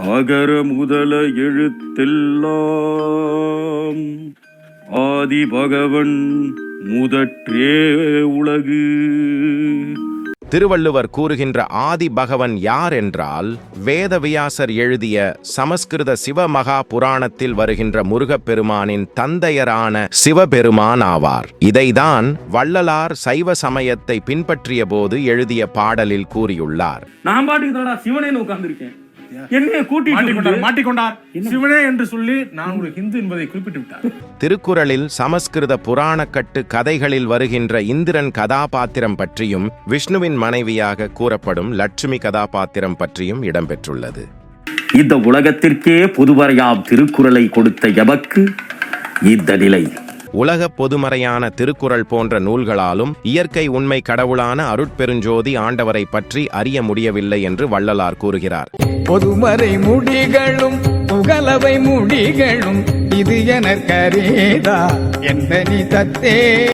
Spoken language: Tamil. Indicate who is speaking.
Speaker 1: அகர முதல எழுத்தெல்லாம் ஆதி பகவன் முதற்றே உலகு.
Speaker 2: திருவள்ளுவர் கூறுகின்ற ஆதி பகவன் யார் என்றால், வேதவியாசர் எழுதிய சமஸ்கிருத சிவமகா புராணத்தில் வருகின்ற முருகப்பெருமானின் தந்தையரான சிவபெருமான் ஆவார். இதைதான் வள்ளலார் சைவ சமயத்தை பின்பற்றிய போது எழுதிய பாடலில் கூறியுள்ளார்.
Speaker 1: நான் பாட்டுக்கு சிவனே உட்கார்ந்திருக்கேன், என்னைய
Speaker 3: மாட்டிக்கொண்டார் சிவனே என்று சொல்லி நான் ஒரு ஹிந்து என்பதை குறிப்பிட்டு விட்டார்.
Speaker 2: திருக்குறளில் சமஸ்கிருத புராணக்கட்டு கதைகளில் வருகின்ற இந்திரன் கதாபாத்திரம் பற்றியும் விஷ்ணுவின் மனைவியாக கூறப்படும் லட்சுமி கதாபாத்திரம் பற்றியும் இடம்பெற்றுள்ளது.
Speaker 1: இந்த உலகத்திற்கே பொதுவரையாம் திருக்குறளை கொடுத்த எமக்கு இந்த நிலை.
Speaker 2: உலக பொதுமறையான திருக்குறள் போன்ற நூல்களாலும் இயற்கை உண்மை கடவுளான அருட்பெருஞ்சோதி ஆண்டவரை பற்றி அறிய முடியவில்லை என்று வள்ளலார் கூறுகிறார்.
Speaker 4: பொதுமறை முடிகளும் புகழவை முடிகளும் இது எனக்கரேதா எந்த நீ தத்தே.